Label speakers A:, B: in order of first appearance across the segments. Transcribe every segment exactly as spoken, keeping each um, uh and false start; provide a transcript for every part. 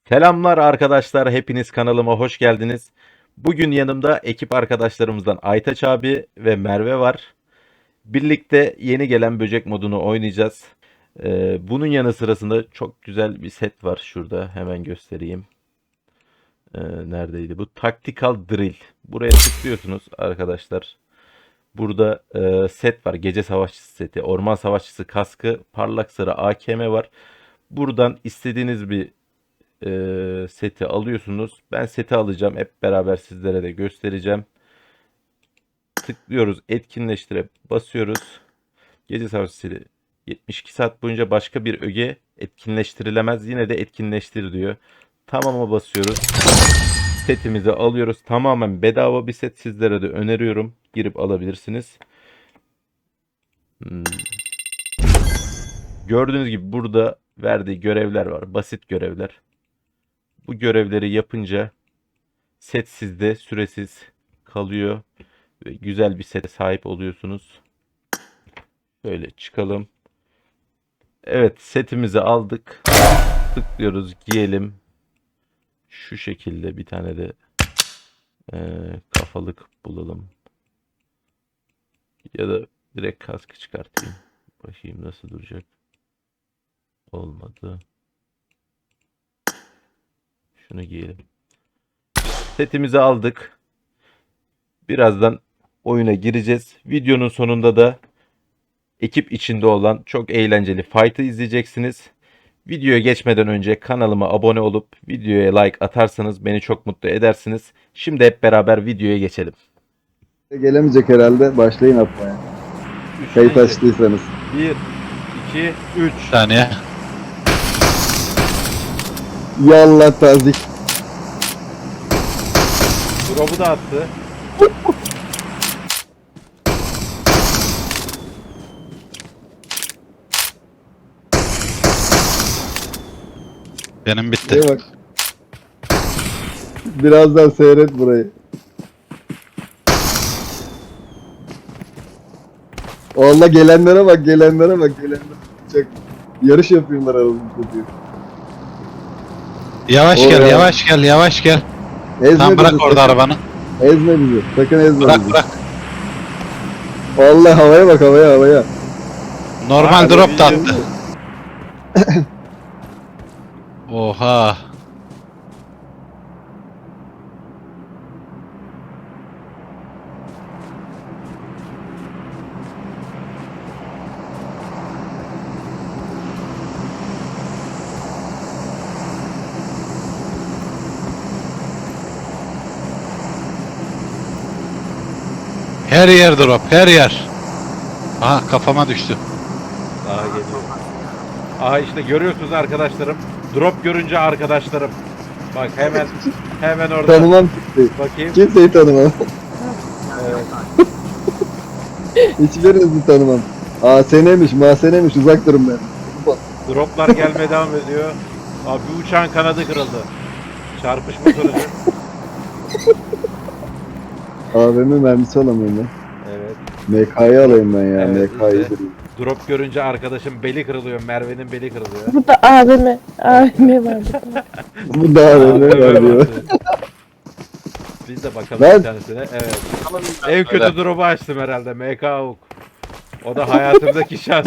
A: Selamlar arkadaşlar, hepiniz kanalıma hoş geldiniz. Bugün yanımda ekip arkadaşlarımızdan Aytaç abi ve Merve var. Birlikte yeni gelen böcek modunu oynayacağız. Ee, bunun yanı sırasında çok güzel bir set var şurada. Hemen göstereyim. Ee, neredeydi bu? Tactical Drill. Buraya tıklıyorsunuz arkadaşlar. Burada e, set var. Gece savaşçısı seti, orman savaşçısı kaskı, parlak sarı A K M var. Buradan istediğiniz bir e, seti alıyorsunuz. Ben seti alacağım. Hep beraber sizlere de göstereceğim. Tıklıyoruz. Etkinleştire basıyoruz. Gece savaşçısı yetmiş iki saat boyunca başka bir öge etkinleştirilemez. Yine de etkinleştir diyor. Tamam'a basıyoruz. Setimizi alıyoruz. Tamamen bedava bir set, sizlere de öneriyorum. Girip alabilirsiniz. Hmm. Gördüğünüz gibi burada verdiği görevler var. Basit görevler. Bu görevleri yapınca set sizde süresiz kalıyor ve güzel bir sete sahip oluyorsunuz. Şöyle çıkalım. Evet, setimizi aldık. Tıklıyoruz, giyelim. Şu şekilde bir tane de e, kafalık bulalım. Ya da direkt kaskı çıkartayım. Bakayım nasıl duracak. Olmadı. Şunu giyelim. Setimizi aldık. Birazdan oyuna gireceğiz. Videonun sonunda da ekip içinde olan çok eğlenceli fight'ı izleyeceksiniz. Videoya geçmeden önce kanalıma abone olup videoya like atarsanız beni çok mutlu edersiniz. Şimdi hep beraber videoya geçelim.
B: Gelemeyecek herhalde. Başlayın atmaya. Kayıt açtıysanız.
A: bir, iki, üç.
C: Bir saniye.
B: Yallah tazik.
A: Drop'u da attı.
C: Benim bitti.
B: Şuraya bak. Birazdan seyret burayı. Allah gelenlere bak, gelenlere bak, gelenlere. Çok yarış yapıyorlar aramızda diyor.
C: Yavaş
B: Oraya.
C: gel, yavaş gel, yavaş gel.
B: Ezme
C: Tam bırak
B: bizi,
C: orada
B: sakın.
C: arabanı.
B: Ezme bizi. Sakın ezme
C: Bırak
B: bizi.
C: bırak.
B: Vallahi havaya bak, havaya havaya.
C: Normal
A: Hadi
C: drop da
A: video.
C: attı. Oha. Her yer drop, her yer. Aha kafama düştü.
A: Daha geliyor. Aha işte görüyorsunuz arkadaşlarım. Drop görünce arkadaşlarım. Bak hemen hemen orada.
B: Tanımam kimseyi.
A: Bakayım.
B: Kimseyi tanımam.
A: Evet.
B: Hiçbirinizi tanımam. Aa senemiş, mahsenemiş, uzak durun ben.
A: Droplar gelmeye devam ediyor. Abi bir uçağın kanadı kırıldı. Çarpışma sonucu.
B: A V M mermisi alamıyorum ben.
A: Evet.
B: M K'yı alayım ben ya,
A: Evet,
B: M K'yı
A: işte.
B: durayım.
A: Drop görünce arkadaşım beli kırılıyor. Merve'nin beli kırılıyor.
D: Burada A V M, A V M var burada.
B: Bu da A V M var diyor.
A: Biz de bakalım
B: Ben-
A: bir tanesine. Evet. En kötü drop'u açtım herhalde. M K Avuk. O da hayatımdaki şans.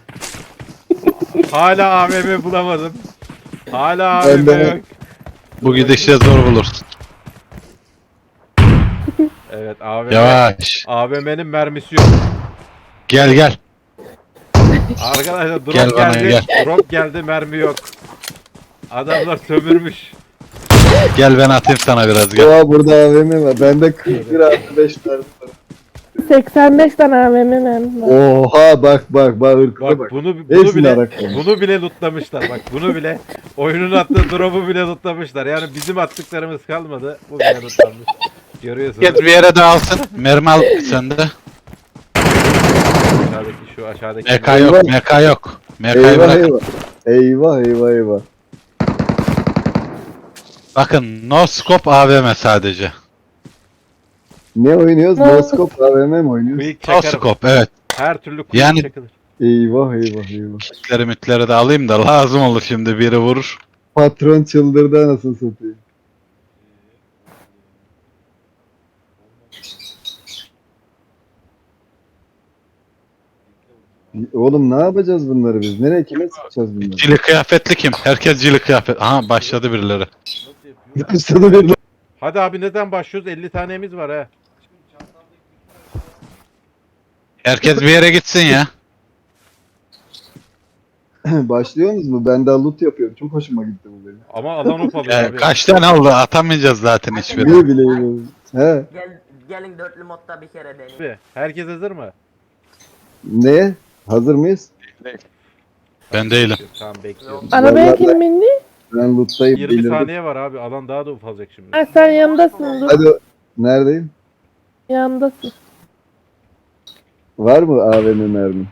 A: Hala A V M bulamadım. Hala A V
B: Ben
A: M
B: de-
A: yok.
C: Bu gidişle zor bulursun.
A: Evet A V M.
C: Yavaş.
A: A V M'nin mermisi yok.
C: Gel gel.
A: Arkadaşlar drop
C: Gel bana,
A: geldi.
C: gel.
A: Drop geldi, mermi yok. Adamlar sömürmüş.
C: Gel ben atayım sana biraz gel.
B: Oha burada A V M var. Bende kırk bir artı beş mermi var.
D: seksen beş tane A V M mermi var.
B: Oha bak bak bak ırkına
A: Bak
B: bak.
A: bunu bunu
B: Hepsini
A: bile
B: araklamış.
A: bunu bile lootlamışlar. Bak bunu bile oyunun attığı drop'u bile lootlamışlar. Yani bizim attıklarımız kalmadı. Bu bile lootlanmış. Görüyorsunuz.
C: Git bir yere dağılsın. Mermi al sende.
A: Aşağıdaki şu aşağıdaki.
C: M K yok, M K yok. M K'yı
B: Eyvah
C: bırak.
B: eyvah. Eyvah eyvah eyvah.
C: Bakın no scope A V M sadece.
B: Ne oynuyoruz?
D: Ne?
B: No scope A V M mi oynuyoruz?
A: Quick
C: No
A: çakarım.
C: scope evet.
A: Her türlü quick
C: Yani-
A: çakılır.
B: Eyvah eyvah eyvah.
C: Kitleri mitleri de alayım da lazım olur şimdi biri vurur.
B: Patron çıldırdı anasını satayım. Oğlum ne yapacağız bunları biz? Nereye kime sıkacağız bunları?
C: Cili kıyafetli kim? Herkes cili kıyafet. Aha başladı birileri.
B: Başladı bir
A: Hadi abi neden başlıyoruz? elli tanemiz var ha.
C: Herkes bir yere gitsin ya.
B: Başlıyorsunuz mu? Ben daha loot yapıyorum. Çok hoşuma gitti bu benim.
A: Ama alan opalıyor
C: Ya,
A: abi.
C: kaç tane oldu? Atamayacağız zaten hiçbirini.
B: Ne bileyim. He.
E: Gel, gelin dörtlü modda bir kere deneyin.
A: Abi, herkes hazır mı?
B: Ne? Hazır mıyız?
C: Ben değilim.
A: Tamam bekliyorum.
D: Arabaya
B: Vallahi-
D: kim bindi?
B: Ben loot'tayım.
A: yirmi
B: belirdim.
A: saniye var abi. Alan daha da ufalacak şimdi.
D: Ha, sen yanımdasın dur.
B: Hadi neredeyim?
D: Yanımdasın.
B: Var mı A V M mermi?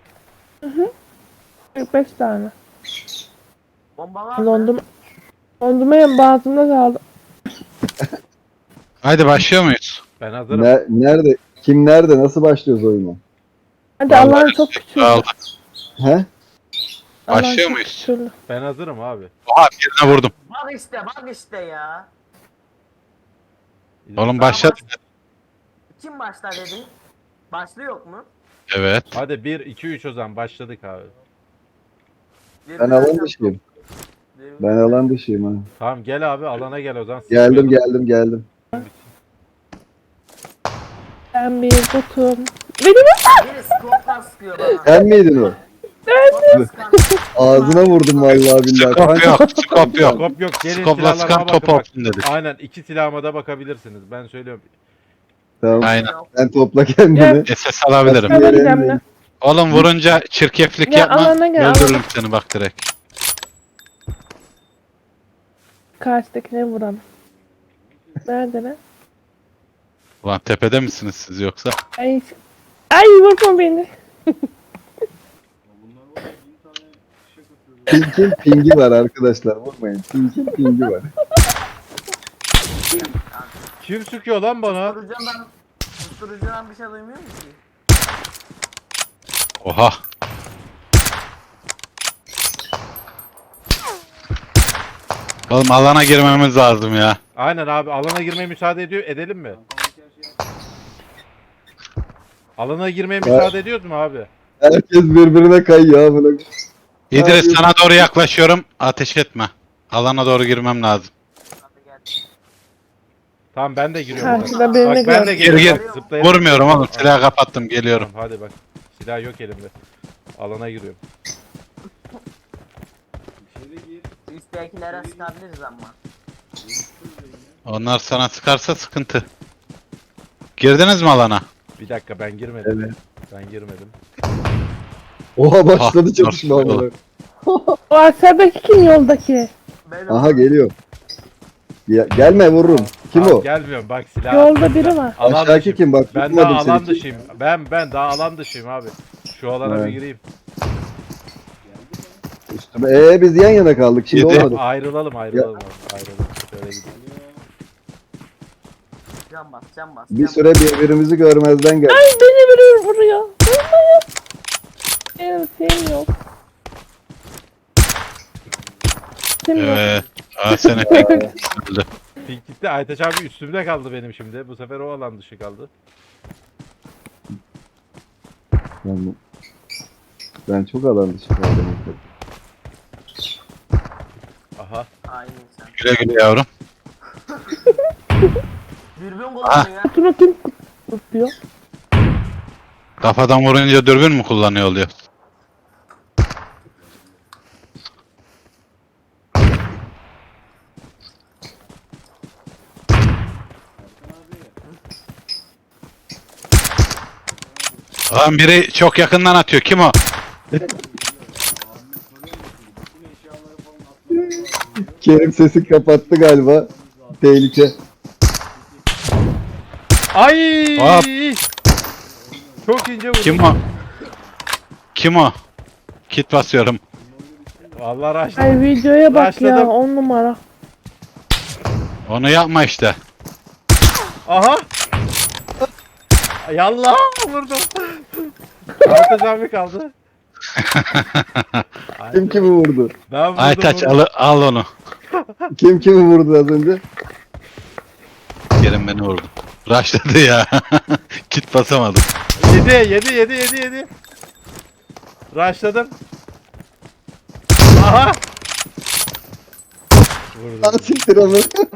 D: kırk beş tane.
E: Bomba var mı?
D: Dondum. Dondurma boğazımda kaldı.
C: Haydi başlıyor muyuz?
A: Ben hazırım.
B: Ne- nerede? Kim nerede? Nasıl başlıyoruz oyuna?
D: Hadi
C: Vallahi
D: Allah'ın çok küçüldü.
C: Aldı.
B: He?
D: Allah'ın
C: Başlıyor
D: çok
C: muyuz?
D: küçüldü.
A: Ben hazırım abi.
C: Oha birine vurdum.
E: Bak işte bak işte ya.
C: Oğlum başladı.
E: Kim başlar dedi? Başlı yok mu?
C: Evet.
A: Hadi bir iki üç o zaman başladık abi.
B: Ben alan dışıyım. Ben alan dışıyım ha.
A: Tamam gel abi alana gel o zaman.
B: Geldim geldim geldim.
D: Ben bir botum. Benim
E: Biri skopla sıkıyor bana.
B: Sen miydin o?
E: Skopla sıkan.
B: Ağzına vurdum vallahi billahi.
C: Skop
B: Kanka,
C: yok. Skop yok.
A: Skop yok. Gelin
C: Skopla
A: silahlarıma
C: sıkan
A: bakın
C: top
A: bak.
C: olsun dedik.
A: Aynen iki silahıma da bakabilirsiniz. Ben söylüyorum.
B: Tamam.
C: Aynen.
B: Sen topla kendini.
C: S S alabilirim.
D: Sana
B: Nereye
D: gideceğim
B: ineyim?
D: de.
C: Oğlum vurunca çirkeflik
D: Ya,
C: yapma.
D: alana gel,
C: Öldürürüm
D: alana.
C: seni bak direkt.
D: Karşıdakine vuralım. Nerede lan?
C: Ulan tepede misiniz siz yoksa?
D: Ay, ay vurma beni.
B: Pink'in pingi var arkadaşlar. Vurmayın. Pink'in pingi var.
A: Kim sıkıyor lan bana?
E: Susturucudan, susturucudan bir şey duymuyor musun ki?
C: Oha. Oğlum alana girmemiz lazım ya.
A: Aynen abi alana girmeye müsaade ediyor. Edelim mi? Alana girmeye müsaade ediyoruz mu abi?
B: Herkes birbirine kayıyor ha buna.
C: İdris
B: Abi-
C: sana doğru yaklaşıyorum. Ateş etme. Alana doğru girmem lazım.
E: Hadi gel.
A: Tamam ben de giriyorum.
D: Karşıda birini
A: Bak ben de
D: gördüm.
C: Gir
A: geliyorum.
C: gir.
A: Bak, zıplayalım.
C: Vurmuyorum oğlum. Silahı kapattım. Geliyorum.
A: Tamam, hadi bak. Silah yok elimde. Alana giriyorum.
E: Üsttekilere sıkabiliriz ama.
C: Onlar sana sıkarsa sıkıntı. Girdiniz mi alana?
A: Bir dakika ben girmedim.
B: Evet.
A: Ben girmedim.
B: Oha başladı
C: Ah,
B: çatışma
C: nasıl
B: amına.
D: O aşağıdaki kim yoldaki?
E: Benim
B: Aha geliyor. Ya, gelme vururum. Kim
A: Abi
B: o?
A: Gelmiyorum bak silah.
D: Yolda biri var.
A: Alan
B: Aşağıdaki
A: dışıyım.
B: kim bak?
A: Ben
B: tutmadım
A: daha
B: seni.
A: alan dışıyım. Ben ben daha alan dışıyım abi. Şu alana
B: Evet.
A: bir gireyim.
B: Üstüme. Ee biz yan yana kaldık. Şimdi
C: Yedi.
B: olmadı.
A: Ayrılalım ayrılalım. abi, Ayrılalım. Şöyle gidelim.
E: Can bas can bas.
B: Bir
E: can
B: süre birbirimizi görmezden geldik.
D: Ay beni vuruyor vuruyor. Vurmayın. Benim şeyim yok. Kim yok?
C: Evet. Aa seni tek öldü.
A: Pink gitti. Aytaç abi üstümde kaldı benim şimdi. Bu sefer o alan dışı kaldı.
B: Ben, ben çok alan dışı kaldım.
A: Aha.
E: Aynı insan.
C: Güle güle yavrum.
E: Dürbün kullanıyor ya.
D: Şunu kim tutuyor?
C: Kafadan vurunca dürbün mü kullanıyor oluyor? Lan biri çok yakından atıyor. Kim o?
B: Kerim sesi kapattı galiba. Tehlike.
A: Ay!
C: Hop.
A: Çok ince vurdu.
C: Kim o? Kim o? Kit basıyorum.
A: Vallahi raşladım.
D: Ay videoya bak ya
A: Başladım.
D: on numara.
C: Onu yapma işte.
A: Aha! Yallah vurdum. Aytaç abi kaldı.
B: Kim kimi vurdu?
A: Ben vurdum,
C: Aytaç
A: vurdum.
C: al, al onu.
B: Kim kimi vurdu az önce?
C: Kerem beni vurdu. Rushladı ya. Kit basamadım.
A: Yedi yedi yedi yedi yedi. Rushladım. Aha.
B: Lan
A: Vurdum.
B: siktir onu.